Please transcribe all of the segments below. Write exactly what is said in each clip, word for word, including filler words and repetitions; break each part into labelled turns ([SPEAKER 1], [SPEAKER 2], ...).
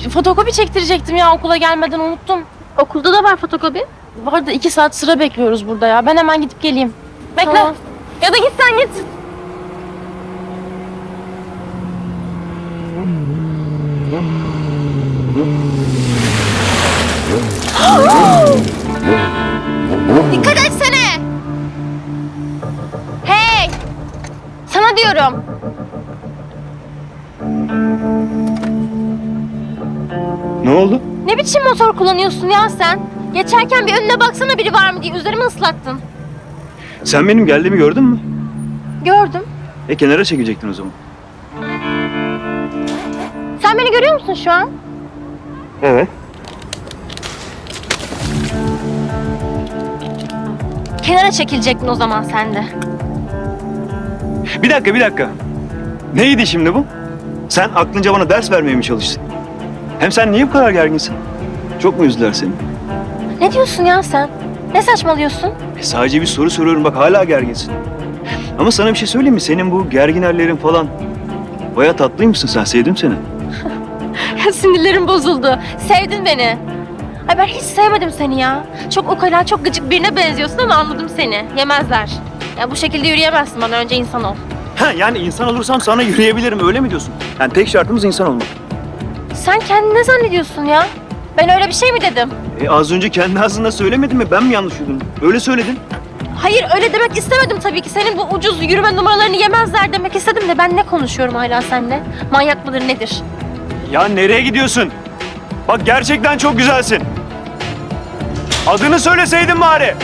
[SPEAKER 1] fotokopi çektirecektim ya okula gelmeden unuttum.
[SPEAKER 2] Okulda da var fotokopi.
[SPEAKER 1] Bu arada iki saat sıra bekliyoruz burada ya. Ben hemen gidip geleyim. Bekle.
[SPEAKER 2] Tamam. Ya da git sen git. Dikkat etsene. Hey. Sana diyorum.
[SPEAKER 3] Ne oldu?
[SPEAKER 2] Ne biçim motor kullanıyorsun ya sen? Geçerken bir önüne baksana biri var mı diye üzerimi ıslattın.
[SPEAKER 3] Sen benim geldiğimi gördün mü?
[SPEAKER 2] Gördüm.
[SPEAKER 3] E kenara çekecektin o zaman.
[SPEAKER 2] Sen beni görüyor musun şu an?
[SPEAKER 3] Evet.
[SPEAKER 2] Kenara çekilecektin o zaman sen de.
[SPEAKER 3] Bir dakika bir dakika. Neydi şimdi bu? Sen aklınca bana ders vermeye mi çalıştın? Hem sen niye bu kadar gerginsin? Çok mu üzdüler seni?
[SPEAKER 2] Ne diyorsun ya sen? Ne saçmalıyorsun?
[SPEAKER 3] E, sadece bir soru soruyorum bak hala gerginsin. Ama sana bir şey söyleyeyim mi? Senin bu gergin hallerin falan baya tatlıymışsın sen. Sevdim seni.
[SPEAKER 2] Sinirlerim bozuldu. Sevdin beni. Ay ben hiç sevmedim seni ya. Çok ukala, çok gıcık birine benziyorsun ama anladım seni. Yemezler. Ya bu şekilde yürüyemezsin bana. Önce insan ol.
[SPEAKER 3] Ha yani insan olursam sana yürüyebilirim öyle mi diyorsun? Yani tek şartımız insan olmak.
[SPEAKER 2] Sen kendini ne zannediyorsun ya? Ben öyle bir şey mi dedim?
[SPEAKER 3] E, az önce kendi ağzında söylemedin mi? Ben mi yanlış duydum? Öyle söyledin.
[SPEAKER 2] Hayır öyle demek istemedim tabii ki. Senin bu ucuz yürüme numaralarını yemezler demek istedim de ben ne konuşuyorum hala seninle? Manyak mıdır nedir?
[SPEAKER 3] Ya nereye gidiyorsun? Bak gerçekten çok güzelsin. Adını söyleseydin bari.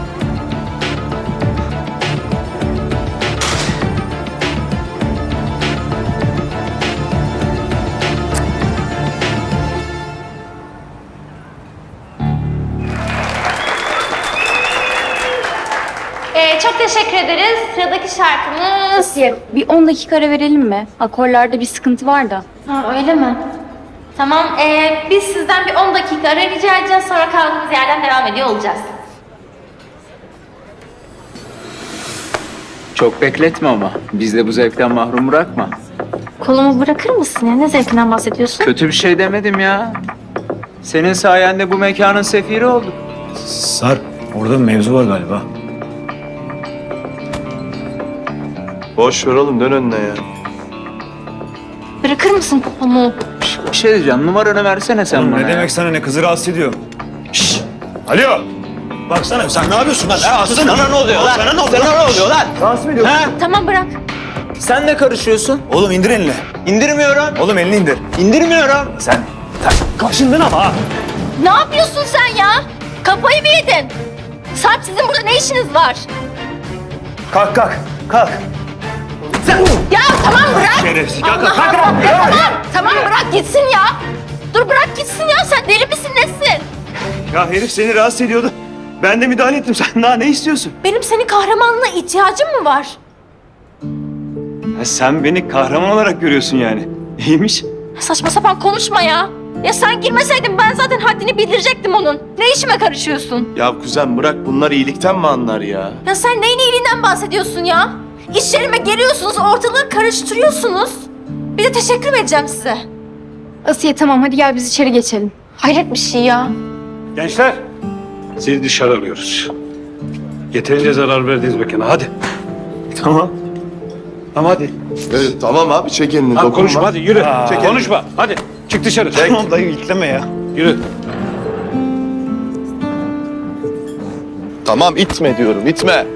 [SPEAKER 2] Ee, çok teşekkür ederiz. Sıradaki şarkımız...
[SPEAKER 4] Bir on dakika ara verelim mi? Akorlarda bir sıkıntı var da.
[SPEAKER 2] Ha, öyle mi? Tamam, ee, biz sizden bir on dakika ara rica edeceğiz. Sonra kaldığımız yerden devam ediyor olacağız.
[SPEAKER 5] Çok bekletme ama. Biz de bu zevkten mahrum bırakma.
[SPEAKER 2] Kolumu bırakır mısın ya? Ne zevkinden bahsediyorsun?
[SPEAKER 5] Kötü bir şey demedim ya. Senin sayende bu mekanın sefiri olduk.
[SPEAKER 3] Sarp, orada bir mevzu var galiba.
[SPEAKER 6] Boş ver oğlum dön önüne ya.
[SPEAKER 2] Bırakır mısın kolumu?
[SPEAKER 5] Bir şey diyeceğim. Numaranı versene sen bana.
[SPEAKER 3] ne
[SPEAKER 5] ya.
[SPEAKER 3] demek sana ne kızı rahatsız ediyor? Şşş! Alo! Baksana sen ne yapıyorsun lan? Ha, aslanım.
[SPEAKER 5] Sana ne oluyor lan?
[SPEAKER 3] Sana ne oluyor?
[SPEAKER 5] Sana ne oluyor lan?
[SPEAKER 3] Rahatsız mı ediyor?
[SPEAKER 5] Ha?
[SPEAKER 2] Tamam bırak.
[SPEAKER 5] Sen de karışıyorsun.
[SPEAKER 3] Oğlum indir elini.
[SPEAKER 5] İndirmiyorum.
[SPEAKER 3] Oğlum elini indir.
[SPEAKER 5] İndirmiyorum.
[SPEAKER 3] Sen, sen kaşındın ama ha.
[SPEAKER 2] Ne yapıyorsun sen ya? Kafayı mı yedin? Sarp sizin burada ne işiniz var?
[SPEAKER 3] Kalk kalk, kalk.
[SPEAKER 2] Ya tamam bırak.
[SPEAKER 3] Şerefsiz, kalk kalk
[SPEAKER 2] Allah
[SPEAKER 3] kalk.
[SPEAKER 2] Allah.
[SPEAKER 3] kalk.
[SPEAKER 2] Tamam, tamam bırak gitsin ya. Dur bırak gitsin ya. Sen deli misin nesin?
[SPEAKER 3] Ya herif seni rahatsız ediyordu. Ben de müdahale ettim. Sen daha ne istiyorsun?
[SPEAKER 2] Benim senin kahramanlığına ihtiyacım mı var?
[SPEAKER 3] Ha, sen beni kahraman olarak görüyorsun yani. İyiymiş.
[SPEAKER 2] Saçma sapan konuşma ya. Ya sen girmeseydin ben zaten haddini bildirecektim onun. Ne işime karışıyorsun?
[SPEAKER 6] Ya kuzen bırak bunlar iyilikten mi anlar ya?
[SPEAKER 2] Ya sen neyin iyiliğinden bahsediyorsun ya? İş yerime geliyorsunuz, ortalığı karıştırıyorsunuz. Bir de teşekkür mü edeceğim size?
[SPEAKER 4] Asiye tamam hadi gel biz içeri geçelim.
[SPEAKER 2] Hayret bir şey ya.
[SPEAKER 7] Gençler, sizi dışarı alıyoruz. Yeterince zarar verdiniz mekana. Hadi.
[SPEAKER 3] Tamam.
[SPEAKER 7] Tamam hadi.
[SPEAKER 6] Evet, tamam abi çek elini
[SPEAKER 7] Hadi
[SPEAKER 6] dokunma.
[SPEAKER 7] konuşma hadi yürü.
[SPEAKER 3] Aa.
[SPEAKER 7] Çek konuşma. Hadi çık dışarı.
[SPEAKER 3] Tamam dayı itleme ya.
[SPEAKER 7] Yürü.
[SPEAKER 6] Tamam itme diyorum itme.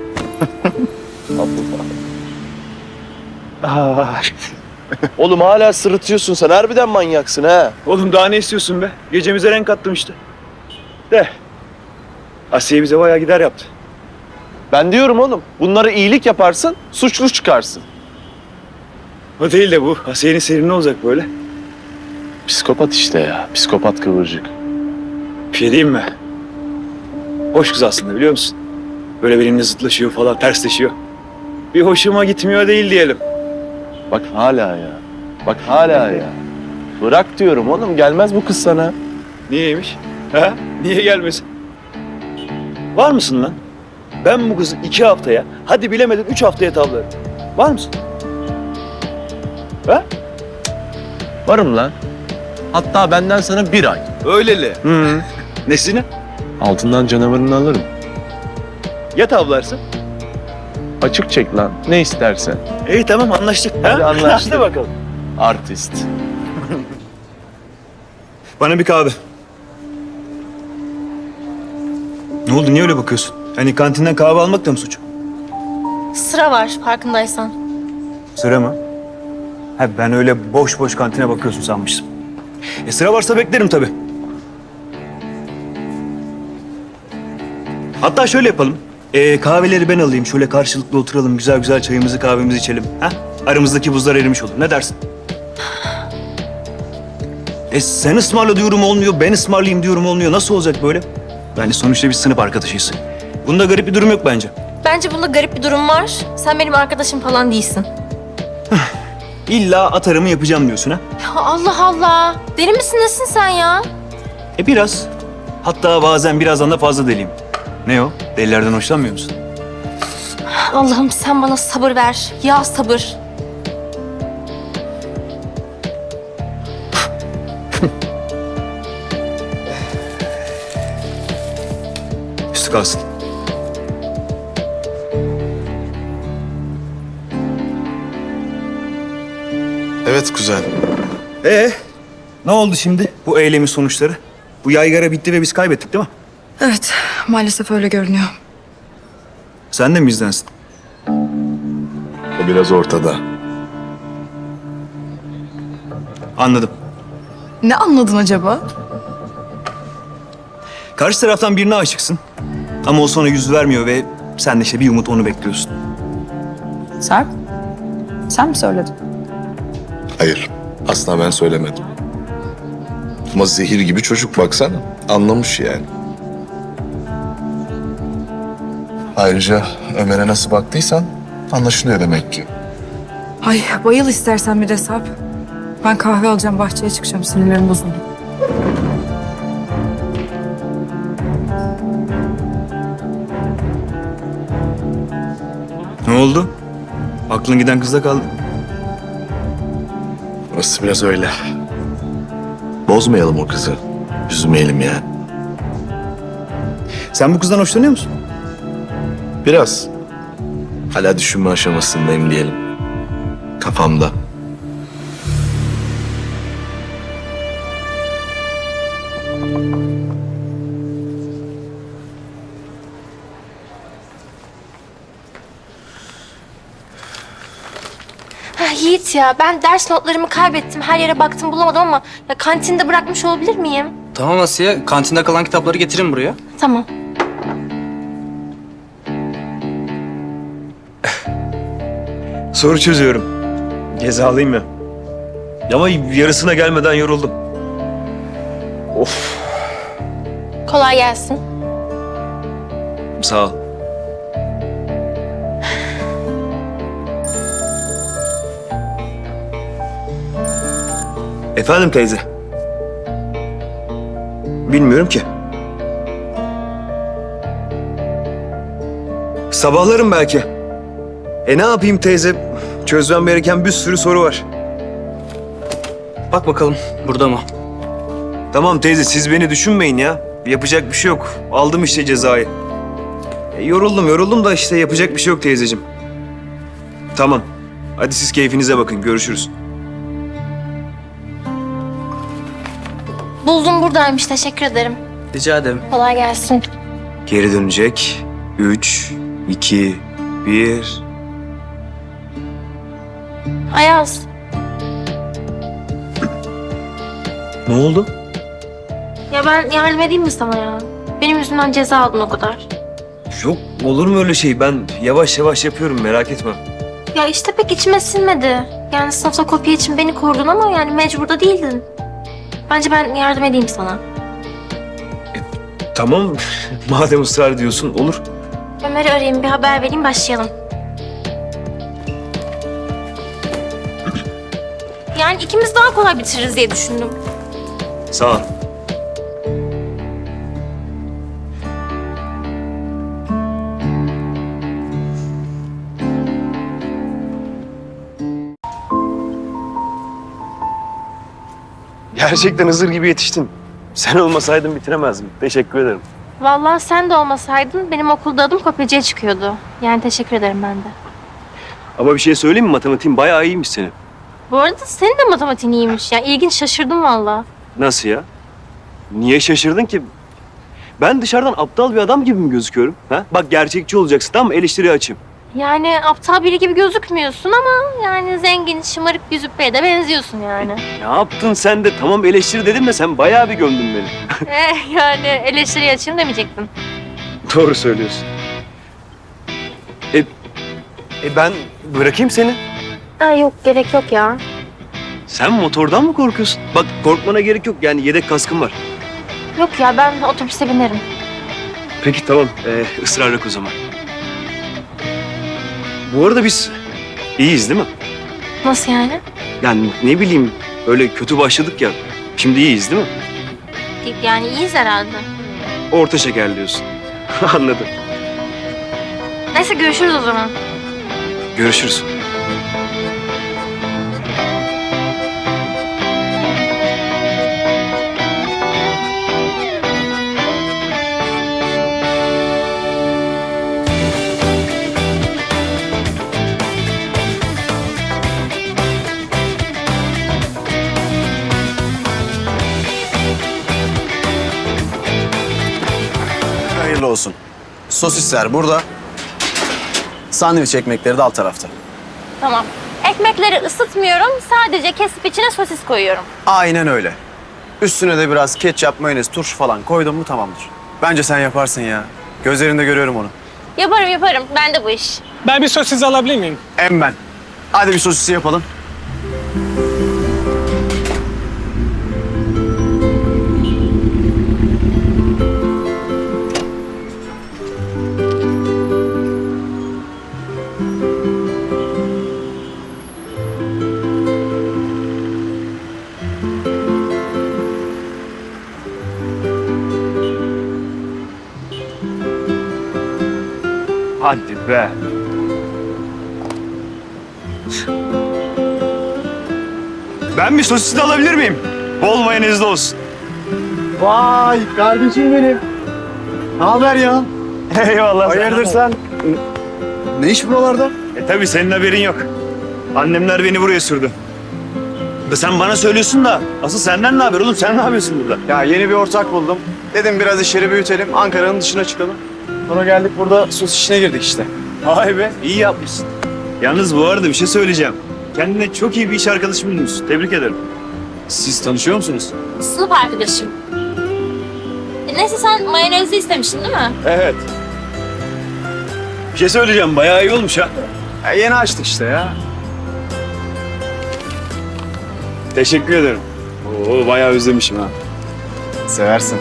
[SPEAKER 3] Aa,
[SPEAKER 6] Oğlum hala sırıtıyorsun sen harbiden manyaksın ha.
[SPEAKER 3] oğlum daha ne istiyorsun be? Gecemize renk kattım işte. De. Asiye bize bayağı gider yaptı.
[SPEAKER 6] Ben diyorum oğlum bunlara iyilik yaparsın suçlu çıkarsın.
[SPEAKER 3] O değil de bu. Asiye'nin seri ne olacak böyle?
[SPEAKER 6] Psikopat işte ya psikopat kıvırcık.
[SPEAKER 3] Bir şey diyeyim mi? Hoş kız aslında biliyor musun? Böyle benimle zıtlaşıyor falan, tersleşiyor. Bir hoşuma gitmiyor değil diyelim.
[SPEAKER 6] Bak hala ya. Bak hala ya. Bırak diyorum oğlum gelmez bu kız sana.
[SPEAKER 3] Niyeymiş? Ha? Niye gelmesin? Var mısın lan? Ben bu kızı iki haftaya, hadi bilemedin üç haftaya tavlarım. Var mısın? Ha?
[SPEAKER 6] Varım lan. Hatta benden sana bir ay. Öyleli.
[SPEAKER 3] Hı. Nesini?
[SPEAKER 6] Altından canavarını alırım.
[SPEAKER 3] Ya tavlarsın?
[SPEAKER 6] Açık çek lan. Ne istersen.
[SPEAKER 3] İyi tamam anlaştık.
[SPEAKER 6] Hadi anlaştık.
[SPEAKER 3] Hadi bakalım.
[SPEAKER 6] Artist.
[SPEAKER 3] Bana bir kahve. Ne oldu niye öyle bakıyorsun? Hani kantinden kahve almak da mı suç?
[SPEAKER 2] Sıra var farkındaysan.
[SPEAKER 3] Sıra mı? Ha ben öyle boş boş kantine bakıyorsun sanmıştım. E sıra varsa beklerim tabii. Hatta şöyle yapalım. E, kahveleri ben alayım. Şöyle karşılıklı oturalım. Güzel güzel çayımızı kahvemizi içelim. Ha? Aramızdaki buzlar erimiş olur. Ne dersin? E sen ısmarla diyorum olmuyor. Ben ısmarlayayım diyorum olmuyor. Nasıl olacak böyle? Yani sonuçta biz sınıf arkadaşıyız. Bunda garip bir durum yok bence.
[SPEAKER 2] Bence bunda garip bir durum var. Sen benim arkadaşım falan değilsin.
[SPEAKER 3] İlla atarımı yapacağım diyorsun ha?
[SPEAKER 2] Ya Allah Allah. Deli misin nesin sen ya?
[SPEAKER 3] E biraz. Hatta bazen birazdan da fazla deliyim. Ne o? Delilerden hoşlanmıyor musun?
[SPEAKER 2] Allah'ım sen bana sabır ver. Ya sabır.
[SPEAKER 3] Üstü kalsın.
[SPEAKER 6] Evet kuzen.
[SPEAKER 3] Ee, ne oldu şimdi bu eylemin sonuçları? Bu yaygara bitti ve biz kaybettik değil mi?
[SPEAKER 8] Evet, maalesef öyle görünüyor.
[SPEAKER 3] Sen de mi bizdensin?
[SPEAKER 6] O biraz ortada.
[SPEAKER 3] Anladım.
[SPEAKER 8] Ne anladın acaba?
[SPEAKER 3] Karşı taraftan birine aşıksın. Ama o sana yüz vermiyor ve sen de işte bir umut onu bekliyorsun.
[SPEAKER 8] Sarp, sen mi söyledin?
[SPEAKER 9] Hayır, asla ben söylemedim. Ama zehir gibi çocuk baksana. Anlamış yani. Ayrıca Ömer'e nasıl baktıysan anlaşılıyor demek ki.
[SPEAKER 8] Ay bayıl istersen bir de Sarp. Ben kahve alacağım, bahçeye çıkacağım. Sinirlerim bozuldu.
[SPEAKER 3] Ne oldu? Aklın giden kızda kaldı.
[SPEAKER 9] Burası biraz öyle. Bozmayalım o kızı. Üzmeyelim yani.
[SPEAKER 3] Sen bu kızdan hoşlanıyor musun?
[SPEAKER 9] Biraz. Hala düşünme aşamasındayım diyelim. Kafamda.
[SPEAKER 2] Ha, Yiğit ya ben ders notlarımı kaybettim. Her yere baktım bulamadım ama ya kantinde bırakmış olabilir miyim?
[SPEAKER 5] Tamam Asiye, kantinde kalan kitapları getirin buraya.
[SPEAKER 2] Tamam.
[SPEAKER 3] Soru çözüyorum. Cezalıyım ya. Ama yarısına gelmeden yoruldum. Of.
[SPEAKER 2] Kolay gelsin.
[SPEAKER 3] Sağ ol. Efendim teyze. Bilmiyorum ki. Sabahlarım belki. E ne yapayım teyze? Çözmem gereken bir sürü soru var.
[SPEAKER 5] Bak bakalım, burada mı?
[SPEAKER 3] Tamam teyze siz beni düşünmeyin ya. Yapacak bir şey yok. Aldım işte cezayı. E, yoruldum yoruldum da işte yapacak bir şey yok teyzeciğim. Tamam. Hadi siz keyfinize bakın. Görüşürüz.
[SPEAKER 2] Buldum buradaymış teşekkür ederim.
[SPEAKER 5] Rica ederim.
[SPEAKER 2] Kolay gelsin.
[SPEAKER 3] Geri dönecek. Üç, iki, bir.
[SPEAKER 2] Ayaz.
[SPEAKER 3] Ne oldu?
[SPEAKER 2] Ya ben yardım edeyim mi sana ya? Benim yüzümden ceza aldın o kadar.
[SPEAKER 3] Yok olur mu öyle şey? Ben yavaş yavaş yapıyorum merak etme.
[SPEAKER 2] Ya işte pek içime sinmedi. Yani sınıfta kopya için beni korudun ama yani mecbur da değildin. Bence ben yardım edeyim sana.
[SPEAKER 3] Tamam madem ısrar ediyorsun olur.
[SPEAKER 2] Ömer'i arayayım bir haber vereyim başlayalım. Yani ikimiz daha kolay bitiririz diye düşündüm.
[SPEAKER 3] Sağ ol. Gerçekten Hızır gibi yetiştin. Sen olmasaydın bitiremezdim. Teşekkür ederim.
[SPEAKER 2] Vallahi sen de olmasaydın benim okulda adım kopyacıya çıkıyordu. Yani teşekkür ederim ben de.
[SPEAKER 3] Ama bir şey söyleyeyim mi? Matematiğin bayağı iyiymiş senin.
[SPEAKER 2] Bu arada senin de matematiğin iyiymiş ya. İlginç, şaşırdım vallahi.
[SPEAKER 3] Nasıl ya? Niye şaşırdın ki? Ben dışarıdan aptal bir adam gibi mi gözüküyorum? Ha? Bak gerçekçi olacaksın, tamam mı? Eleştiriye açayım.
[SPEAKER 2] Yani aptal biri gibi gözükmüyorsun ama yani zengin, şımarık bir züppeye de benziyorsun yani.
[SPEAKER 3] Ne yaptın sen de? Tamam eleştiri dedim de sen bayağı bir gömdün beni.
[SPEAKER 2] eh yani eleştiriye açayım demeyecektin.
[SPEAKER 3] Doğru söylüyorsun. E, e ben bırakayım seni.
[SPEAKER 2] Aa, yok gerek yok ya.
[SPEAKER 3] Sen motordan mı korkuyorsun? Bak korkmana gerek yok. Yani yedek kaskım var.
[SPEAKER 2] Yok ya ben otobüse binerim.
[SPEAKER 3] Peki tamam. Ee, ısrar yok o zaman. Bu arada biz iyiyiz değil mi?
[SPEAKER 2] Nasıl yani?
[SPEAKER 3] Yani ne bileyim öyle kötü başladık ya. Şimdi iyiyiz değil mi?
[SPEAKER 2] Yani iyiyiz herhalde.
[SPEAKER 3] Orta şeker diyorsun. Anladım.
[SPEAKER 2] Neyse görüşürüz o zaman.
[SPEAKER 3] Görüşürüz.
[SPEAKER 10] Hayırlı olsun. Sosisler burada. Sandviç ekmekleri de alt tarafta.
[SPEAKER 2] Tamam. Ekmekleri ısıtmıyorum. Sadece kesip içine sosis koyuyorum.
[SPEAKER 10] Aynen öyle. Üstüne de biraz ketçap, mayonez, turşu falan koydun mu tamamdır. Bence sen yaparsın ya. Gözlerinde görüyorum onu.
[SPEAKER 2] Yaparım yaparım. Ben de bu iş.
[SPEAKER 11] Ben bir sosis alabilir miyim?
[SPEAKER 10] Em ben. Hadi bir sosisi yapalım.
[SPEAKER 3] Hadi be. Ben bir sosis de alabilir miyim? Bol mayonezli olsun.
[SPEAKER 10] Vay kardeşim benim. Ne haber ya?
[SPEAKER 3] Eyvallah.
[SPEAKER 10] Hayırdır sen? Ne iş buralarda?
[SPEAKER 3] E tabii senin haberin yok. Annemler beni buraya sürdü. Da sen bana söylüyorsun da asıl senden ne haber oğlum? Sen ne yapıyorsun burada?
[SPEAKER 10] Ya yeni bir ortak buldum. Dedim biraz işleri büyütelim, Ankara'nın dışına çıkalım. Sonra geldik burada sos işine girdik işte.
[SPEAKER 3] Vay be, iyi yapmışsın. Yalnız bu arada bir şey söyleyeceğim. Kendine çok iyi bir iş arkadaşı bulmuşsun. Tebrik ederim.
[SPEAKER 10] Siz tanışıyor musunuz?
[SPEAKER 2] Sınıf arkadaşım. E, neyse sen mayonezli istemiştin değil mi?
[SPEAKER 3] Evet. Bir şey söyleyeceğim, bayağı iyi olmuş ha.
[SPEAKER 10] Ya yeni açtık işte ya.
[SPEAKER 3] Teşekkür ederim. Oo, bayağı özlemişim ha.
[SPEAKER 10] Seversin.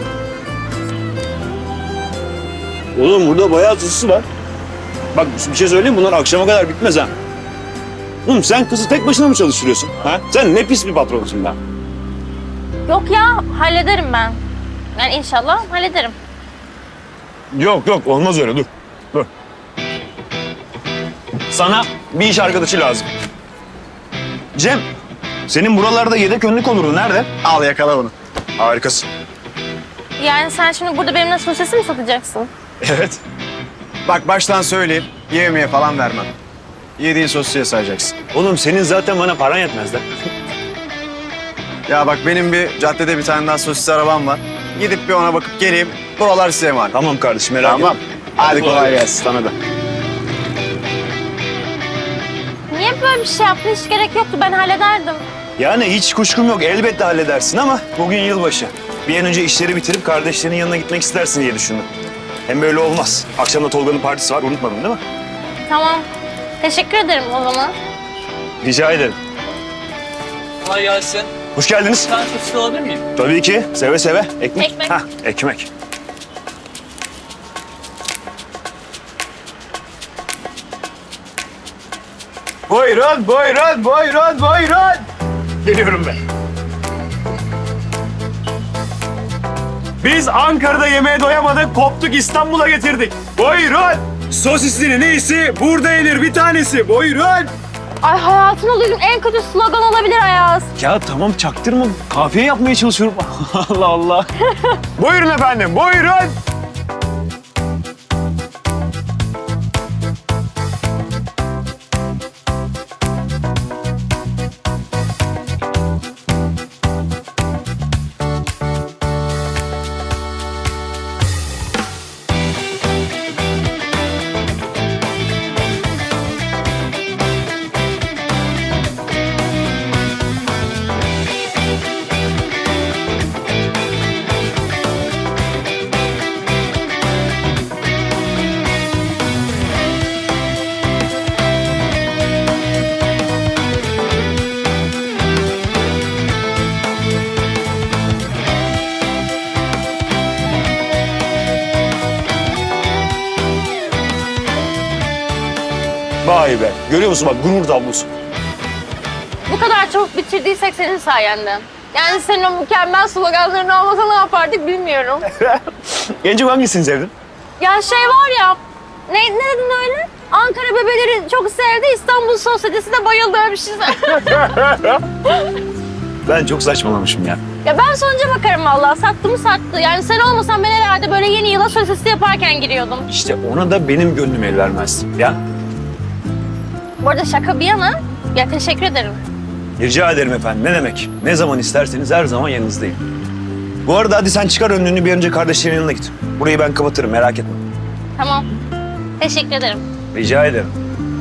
[SPEAKER 3] Oğlum burada bayağı tuzlusu var. Bak bir şey söyleyeyim mi? Bunlar akşama kadar bitmez ha. Oğlum sen kızı tek başına mı çalıştırıyorsun? Ha? Sen ne pis bir patronsun be.
[SPEAKER 2] Yok ya hallederim ben. Yani inşallah hallederim.
[SPEAKER 3] Yok yok olmaz öyle dur. Dur. Sana bir iş arkadaşı lazım. Cem, senin buralarda yedek önlük olurdu. Nerede?
[SPEAKER 10] Al yakala bunu.
[SPEAKER 3] Harikasın.
[SPEAKER 2] Yani sen şimdi burada benimle sosisi mi satacaksın?
[SPEAKER 3] Evet.
[SPEAKER 10] Bak baştan söyleyeyim, yemeye falan vermem. Yediğin sosisiye sayacaksın.
[SPEAKER 3] Oğlum senin zaten bana paran yetmez de.
[SPEAKER 10] Ya bak benim bir caddede bir tane daha sosis arabam var. Gidip bir ona bakıp geleyim. Buralar size emanet.
[SPEAKER 3] Tamam kardeşim merak
[SPEAKER 10] Tamam.
[SPEAKER 3] etme.
[SPEAKER 10] Hadi kolay gelsin.
[SPEAKER 3] Sana da.
[SPEAKER 2] Niye böyle bir şey yaptın? Hiç gerek yoktu. Ben hallederdim.
[SPEAKER 3] Yani hiç kuşkum yok. Elbette halledersin ama bugün yılbaşı. Bir an önce işleri bitirip kardeşlerinin yanına gitmek istersin diye düşündüm. Hem böyle olmaz. Akşam da Tolga'nın partisi var. Unutmadın değil mi?
[SPEAKER 2] Tamam. Teşekkür ederim o zaman.
[SPEAKER 3] Rica ederim.
[SPEAKER 11] Kolay gelsin.
[SPEAKER 3] Hoş geldiniz.
[SPEAKER 11] Bir tane sosis alabilir miyim?
[SPEAKER 3] Tabii ki. Seve seve. Ekmek.
[SPEAKER 2] Ekmek.
[SPEAKER 3] Hah, ekmek.
[SPEAKER 10] Buyurun, buyurun, buyurun, buyurun.
[SPEAKER 3] Geliyorum ben. Biz Ankara'da yemeğe doyamadık, koptuk İstanbul'a getirdik. Buyurun. Sosisinin iyisi burada yenir bir tanesi. Buyurun.
[SPEAKER 2] Ay hayatımda duyduğum en kötü slogan olabilir Ayaz.
[SPEAKER 3] Ya tamam çaktırma. Kafiye yapmaya çalışıyorum. Allah Allah. Buyurun efendim, buyurun.
[SPEAKER 6] Vay be. Görüyor musun bak gurur tablosu.
[SPEAKER 2] Bu kadar çabuk bitirdiysek senin sayende. Yani senin o mükemmel sloganların olmasa ne yapardık bilmiyorum.
[SPEAKER 3] En çok hangisini sevdin?
[SPEAKER 2] Ya şey var ya, ne, ne dedin öyle? Ankara bebeleri çok sevdi, İstanbul sosyetesi de bayıldı öyle bir şey.
[SPEAKER 3] Ben çok saçmalamışım ya.
[SPEAKER 2] Ya ben sonuca bakarım vallahi, sattı mı sattı. Yani sen olmasan ben herhalde böyle yeni yıla sosyetesi yaparken giriyordum.
[SPEAKER 3] İşte ona da benim gönlüm el vermez. Ya
[SPEAKER 2] Bu arada şaka bir yana, ya teşekkür ederim.
[SPEAKER 3] rica ederim efendim. Ne demek? Ne zaman isterseniz her zaman yanınızdayım. Bu arada hadi sen çıkar önlüğünü bir önce kardeşlerin yanına git. Burayı ben kapatırım merak etme.
[SPEAKER 2] Tamam, teşekkür ederim.
[SPEAKER 3] Rica ederim.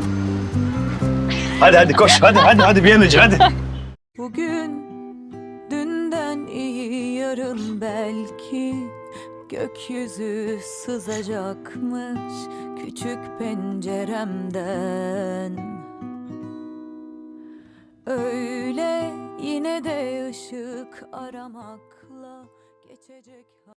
[SPEAKER 3] Hadi hadi koş hadi hadi hadi bir an önce hadi.
[SPEAKER 12] Bugün dünden iyi yarın belki gökyüzü sızacakmış küçük penceremden. Öyle yine de ışık aramakla geçecek.